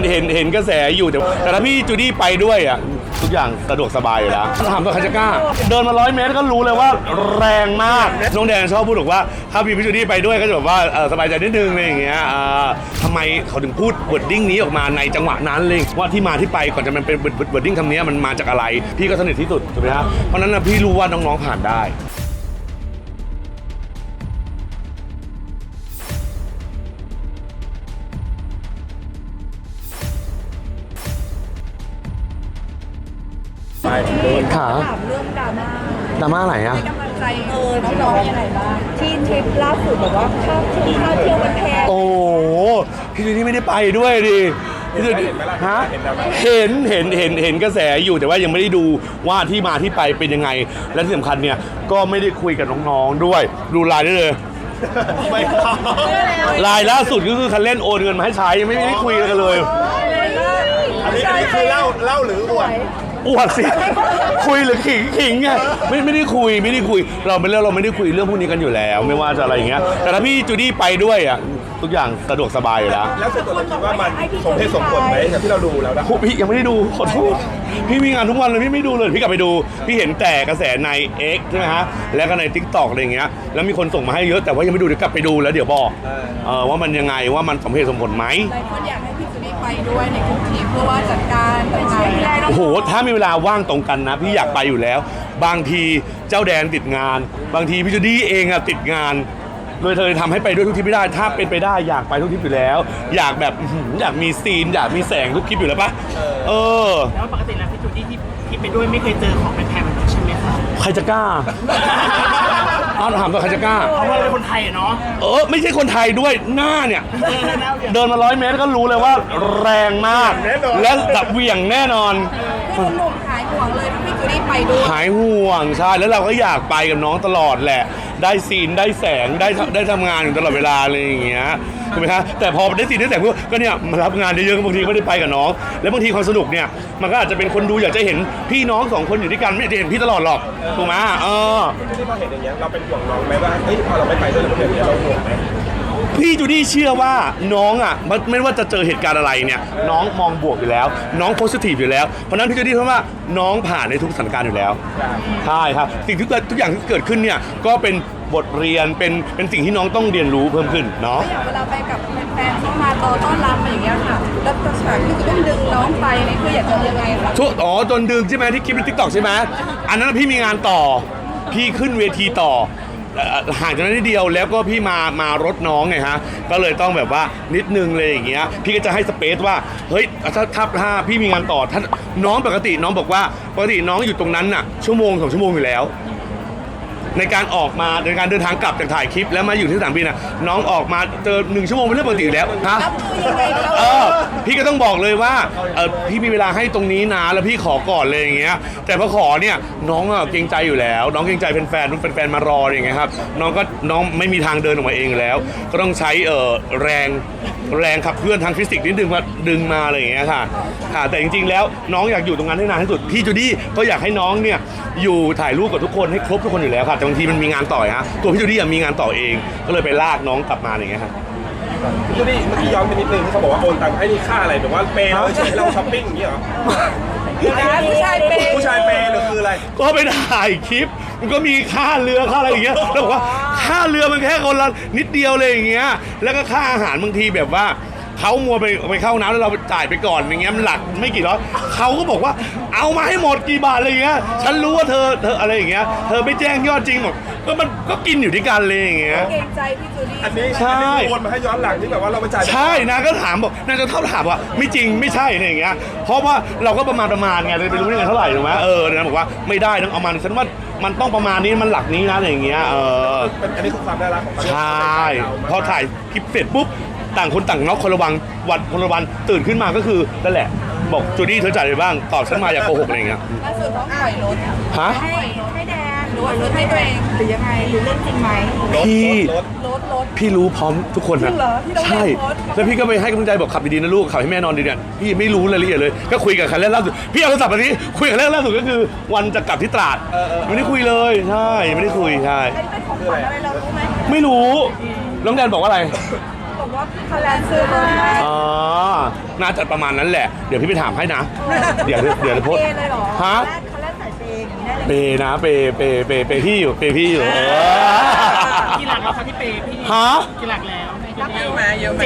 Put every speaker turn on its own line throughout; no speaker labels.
เห็นกระแสอยู่แต่ถ้าพี่จูดี้ไปด้วยอ่ะทุกอย่างสะดวกสบายอยู่แล้วถามว่าใครจะกล้าเดินมา100 เมตรก็รู้เลยว่าแรงมากน้องแดงชอบพูดบอกว่าถ้าพี่จูดี้ไปด้วยก็จะแบบว่าสบายใจนิดนึงอะไรอย่างเงี้ยทำไมเขาถึงพูดวอร์ดดิ้งนี้ออกมาในจังหวะนั้นเลยว่าที่มาที่ไปก่อนจะมันเป็นวอร์ดดิ้งคำนี้มันมาจากอะไรพี่ก็สนิทที่สุดถูกไหมครับเพราะนั้นพี่รู้ว่าน้องๆผ่านได้ขา
ถามเรื่องดราม่า
อะไรอ่ะ
ให้กำลังใจน้องๆยังไงบ้างที่ทริปล่าสุดแบบว่าค่าเที่ยวมันแพง
โอ้พี่จูดี้ไม่ได้ไปด้วยดิพี่จูดี้ฮะเห็นกระแสอยู่แต่ว่ายังไม่ได้ดูว่าที่มาที่ไปเป็นยังไงและที่สำคัญเนี่ยก็ไม่ได้คุยกับน้องๆด้วยดูไลน์ได้เลยไลน์ล่าสุดก็คือคันเล่นโอนเงินมาให้ใช้ยังไม่ได้คุยกันเลย
อันนี้คือเล่าหรืออวด
สิคุยหรือขิงไงไม่ได้คุยเราไม่ได้คุยเรื่องพวกนี้กันอยู่แล้วไม่ว่าจะอะไรอย่างเงี้ยแต่ถ้าพี่จูดี้ไปด้วยอ่ะทุกอย่างสะดวกสบายอยู่แล้ว
แล้วส่วนตัวเราคิดว่ามันสมเหตุสมผลไหมจากที่เราดูแล้วนะ
พี่ยังไม่ได้ดูขอโทษพี่มีงานทุกวันเลยพี่ไม่ดูเลยพี่กลับไปดูพี่เห็นแต่กระแสใน X ใช่ไหมฮะแล้วก็ใน TikTok อะไรอย่างเงี้ยแล้วมีคนส่งมาให้เยอะแต่ว่ายังไม่ดูเดี๋ยวกลับไปดูแล้วเดี๋ยวบอกว่ามันยังไงว่ามันสมเหตุสมผลไหม
หลายคนอยากให้พี่จูดี้ไปด้วยในกลุ่มทีมเพื่อว่าจัดการต่างๆ
โอ้โหถ้ามีเวลาว่างตรงกันนะพี่อยากไปอยู่แล้วบางทีเจ้าแดนติดงานบางทีพี่จูดี้เองอะติดงานโดยเธอทำให้ไปด้วยทุกทริปไม่ได้ถ้าเป็นไปได้อยากไปทุกทริปอยู่แล้วอยากแบบอยากมีซีนอยากมีแสงทุกคลิปอยู่แล้วปะ
แล้วปกติแล้วพี่จูดี้ที่ไปด้วยไม่เคยเจอของแพงๆแบบนี้ใช่ไหมคะ
ใครจะกล้าถามว่าใครจะกล้า
เพราะว่าเป็นคนไทยเนาะ
ไม่ใช่คนไทยด้วยหน้าเนี่ยเดินมา100 เมตรก็รู้เลยว่าแรงมากและแบบเหวี่ยงแน่นอน
คือหนุ่มหายห่วงเลยพี่จูดี้ไปด้วย
หายห่วงใช่แล้วเราก็อยากไปกับน้องตลอดแหละได้ซีนได้แสงได้ทำงานอยู่ตลอดเวลาอะไรอย่างเงี้ยถูกไหมคะแต่พอได้ซีนได้แสงก็เนี่ยมารับงานเยอะๆบางทีไม่ได้ไปกับน้องแล้วบางทีความสนุกเนี่ยมันก็อาจจะเป็นคนดูอยากจะเห็นพี่น้อง2 คนอยู่ด้วยกันไม่ได้เห็นพี่ตลอดหรอกถูกไหม
ที่พอเห็นอย่างเงี้ยเราเป็นห่วงน้องไหมว่าพอเราไม่ไปด้วยเราเป็นอย่างเงี้ยเราห่วงไหม
พี่จูดี้เชื่อว่าน้องอ่ะไม่ว่าจะเจอเหตุการณ์อะไรเนี่ยน้องมองบวกอยู่แล้วน้องโพสิทีฟอยู่แล้วเพราะนั้นพี่จูดี้เพราะว่าน้องผ่านในทุกสถานการณ์อยู่แล้วใช่ครับสิ่งทุกอย่างที่เกิดขึ้นเนี่ยก็เป็นบทเรียนเป็นสิ่งที่น้องต้องเรียนรู้เพิ่มขึ้นเนาะ
อย่างเวลาไปกับแฟนๆเข้ามาต้อนรับอย่างเงี้ยค่ะแล้วฉากที่จะต้องดึงน้องไปนี่คืออยากจะยังไงคะ
จนดึงใช่ไหมที่คลิปใน TikTok ใช่ไหมอันนั้นพี่มีงานต่อพี่ขึ้นเวทีต่อห่างจากนั้นนิดเดียวแล้วก็พี่มารถน้องไงฮะก็เลยต้องแบบว่านิดนึงเลยอย่างเงี้ยพี่ก็จะให้สเปซว่าเฮ้ยถ้าพี่มีงานต่อถ้าน้องปกติน้องบอกว่าปกติน้องอยู่ตรงนั้นน่ะ1-2 ชั่วโมงอยู่แล้วในการออกมาในการเดินทางกลับจากถ่ายคลิปแล้วมาอยู่ที่สนามบินน่ะน้องออกมาเจอ1 ชั่วโมงเป็นเรื่องปกติอยู่แล้วฮะพี่ก็ต้องบอกเลยว่าพี่มีเวลาให้ตรงนี้นะแล้วพี่ขอก่อนเลยอย่างเงี้ยแต่พอขอเนี่ยน้องเกรงใจอยู่แล้วน้องเกรงใจแฟนมารออย่างเงี้ยครับน้องไม่มีทางเดินออกมาเองแล้วก็ต้องใช้แรงขับเคลื่อนทางฟิสิกส์นิดนึงว่าดึงมาอะไรอย่างเงี้ยค่ะแต่จริงๆแล้วน้องอยากอยู่ตรงนั้นให้นานที่สุดพี่จูดี้ก็อยากให้น้องเนี่ยอยู่ถ่ายรูปกับทุกคนให้ครบทุกคนอยู่แล้วค่ะแต่บางทีมันมีงานต่อฮะตัวพี่จูดี้มีงานต่อเองก็เลยไปลากน้องกลับมาอย่างเงี้ยครับ
พี่จูดี้เมื่อกี้ย้อนไปนิดนึงที่เขาบอกว่าโอนตังค์ให้นี่ค่าอะไรแบบว่าเปย์เราช้อปปิ้งอย่างเงี้ยเหรอ
ผู้ชายเปย์
หรือคืออะไร
ก็ไปถ่ายคลิปมันก็มีค่าเรือค่าอะไรอย่างเงี้ยแล้วบอกว่าค่าเรือมันแค่คนละนิดเดียวเลยอย่างเงี้ยแล้วก็ค่าอาหารบางทีแบบว่าเขามัวไปเข้าน้ำแล้วเราจ่ายไปก่อนอย่างเงี้ยมันหลักไม่กี่ร้อยเขาก็บอกว่าเอามาให้หมดกี่บาทอะไรอย่างเงี้ยฉันรู้ว่าเธออะไรอย่างเงี้ยเธอไม่แจ้งยอดจริงหมดก็มันก็กินอยู่ที่กันเลยอย่างเงี้ย
เกรงใจพี่จูดี้
อันนี้ใช่โอนมาให้ย้อนหลังที่แบบว่าเราไปจ่าย
ใช่นะก็ถามบอกนางจะถามว่าไม่จริงไม่ใช่อะไรอย่างเงี้ยเพราะว่าเราก็ประมาณไงเลยไปรู้ได้ไงเท่าไหร่ถูกไหมนางบอกว่าไม่ได้ต้องเอามาฉันว่ามันต้องประมาณนี้มันหลักนี้นะอะไรอย่างเงี้ย
อันนี้คือความน่ารักของ
ใช่พอถ่ายคลิปเสร็จปุ๊บต่างคนต่างน็อกคนละวันตื่นขึ้นมาก็คือนั่นแหละบอกจูดี้เธอจ่ายไปบ้างตอบฉันมาอย่าโกหกอะไรอย่างเงี้ย
ล่าสุดต้องปล่อยรถให้แดนหรือว่ารถให้ตัวเองหรือยังไงหรือเรื่องจริงไหม
พี่รู้พร้อมทุกคนนะใช่แล้วพี่ก็ไปให้กำลังใจบอกขับดีๆนะลูกขับให้แม่นอนดีเนี่ยพี่ไม่รู้รายละเอียดเลยก็คุยกับคันแรกล่าสุดพี่เอาโทรศัพท์มาที่คุยกับคันแรกล่าสุดก็คือวันจะกลับที่ตราดไม่ได้คุยเลยใช่ไม่ได้คุยใช่
เป็นของขวัญอะไรเรารู้ไหม
ไม่รู้น้องแดนบอกว่าอะไร
บอกว่าขคะแนนซื้อรถให้
อ๋อน่าจะประมาณนั้นแหละเดี๋ยวพี่ไปถามให้นะเดี๋ยวโพส
เปย์เลยเหรอ
ฮะ
เขาเล่นสายเปย์อย่างนี้ได้เลย
เปย์นะเปย์พี่อยู่
กี่หลักแล้วคะที่เปย์พี่
ฮะ
กี่หลักแล้ว
เยอะไหมเยอะไหม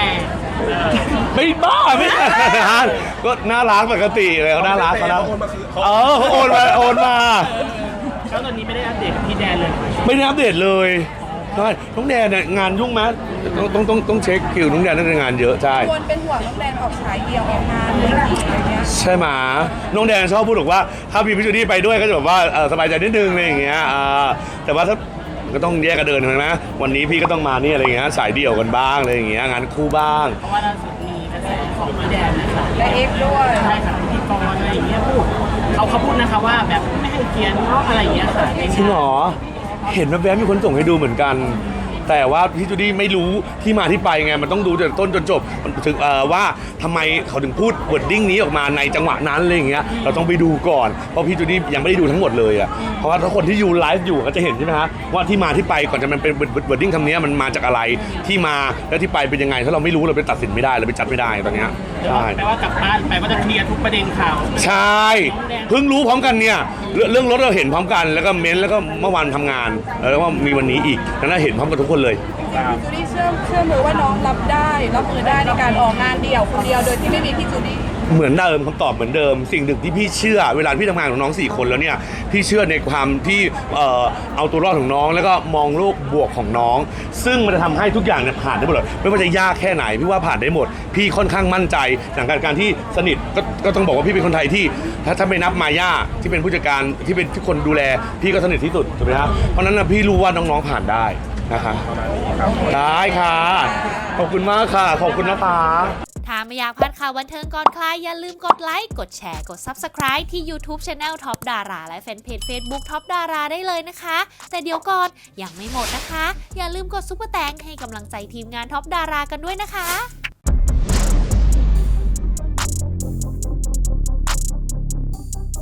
7-8
ไม่บ้าไม่ก็น่ารักปกติเลยเขาน่ารักเขาน่า
โอนมาคือเขา
เขาโอนมา
แล้วตอนนี้ไม่ได้อัปเดตกับพี่แดนเลย
ไม่ได้อัปเดตเลยใช่น้องแดนเนี่ยงานยุ่งไหมต้องเช็คคิวน้องแดนน่าจะงานเยอะใช่
ควรเป็นห่วงน้องแดนออกฉายเดี่ยวออกงานอะไรเงี้ย
ใช่ไหมน้องแดนชอบพูดบอกว่าถ้ามีพี่จูดี้ไปด้วยก็จะแบบว่าสบายใจนิดนึงอะไรอย่างเงี้ยแต่ว่าถ้าก็ต้องแยกกันเดินใช่ไหมวันนี้พี่ก็ต้องมานี่อะไรอย่างเงี้ยสายเดี่ยวกันบ้างอะไรอย่างเงี้ยงานคู่บ้าง
เพราะว่าล่าสุดมีกระแสของพี่แดนนะคะ
และเอ็กซ์ด้วย
ใช่ค่ะพิธีกรอะไรอย่างเงี้ยพูดเขาพูดนะคะว่าแบบไม่ให้เกียรติน้องอะไรอย่างเงี้ยค่ะใน
จริงเหรอเห็นแวบๆมีคนส่งให้ดูเหมือนกัน แต่ว่าพี่จูดี้ไม่รู้ที่มาที่ไปไงมันต้องดูจากต้นจนจบถึงว่าทำไมเขาถึงพูดวอร์ดดิ้งนี้ออกมาในจังหวะนั้นอะไรอย่างเงี้ยเราต้องไปดูก่อนเพราะพี่จูดี้ยังไม่ได้ดูทั้งหมดเลยอ่ะเพราะว่าถ้าคนที่อยู่ไลฟ์อยู่ก็จะเห็นใช่ไหมฮะว่าที่มาที่ไปก่อนจะมันเป็นวอร์ดดิ้งคำนี้มันมาจากอะไรที่มาและที่ไปเป็นยังไงถ้าเราไม่รู้เราไปตัดสินไม่ได้เราไปจัดไม่ได้ตอนเนี้ยใช่
แปลว่ากลับบ้านไปว่าจะเคลียร์ทุกประเด็นข่าว
ใช่เพิ่งรู้พร้อมกันเนี่ยเรื่องรถเราเห็นพร้อมกันแล้วก็เม้นแล้วก็เมื่อวานทำงานแล้วก็มีวันนี้อีกนั้นเห็นพร้อมกันทุกคนเลย
จูดี้เชื่อมือว่าน้องรับมือได้ในการออกงานเดี่ยวคนเดียวโดยที่ไม่มีพี่จูดี้
เหมือนเดิมคำตอบเหมือนเดิมสิ่งหนึ่งที่พี่เชื่อเวลาพี่ทำงานของน้อง4คนแล้วเนี่ยพี่เชื่อในความที่เอาตัวรอดของน้องแล้วก็มองโลกบวกของน้อง ซึ่งมันจะทำให้ทุกอย่างเนี่ยผ่านได้หมดเลยไม่ว่าจะยากแค่ไหนพี่ว่าผ่านได้หมด พี่ค่อนข้างมั่นใจอย่างการที่สนิทก็ต้องบอกว่าพี่เป็นคนไทยที่ถ้าไม่นับมาย่าที่เป็นผู้จัดการที่เป็นทุกคนดูแลพี่ก็สนิทที่สุดถูกไหมครับเพราะฉะนั้นนะพี่รู้ว่าน้องๆผ่านได้นะคะได้ค่ะขอบคุณมากค่ะขอบคุณนะคะ
ถ้าไม่อยากพลาดข่าวบันเทิงก่อนใครอย่าลืมกดไลค์ กดแชร์ กด Subscribe ที่ YouTube Channel Top Dara และแฟนเพจ Facebook Top Dara ได้เลยนะคะ แต่เดี๋ยวก่อนยังไม่หมดนะคะ อย่าลืมกดซุปเปอร์แตงให้กำลังใจทีมงาน Top Dara กันด้วยนะคะ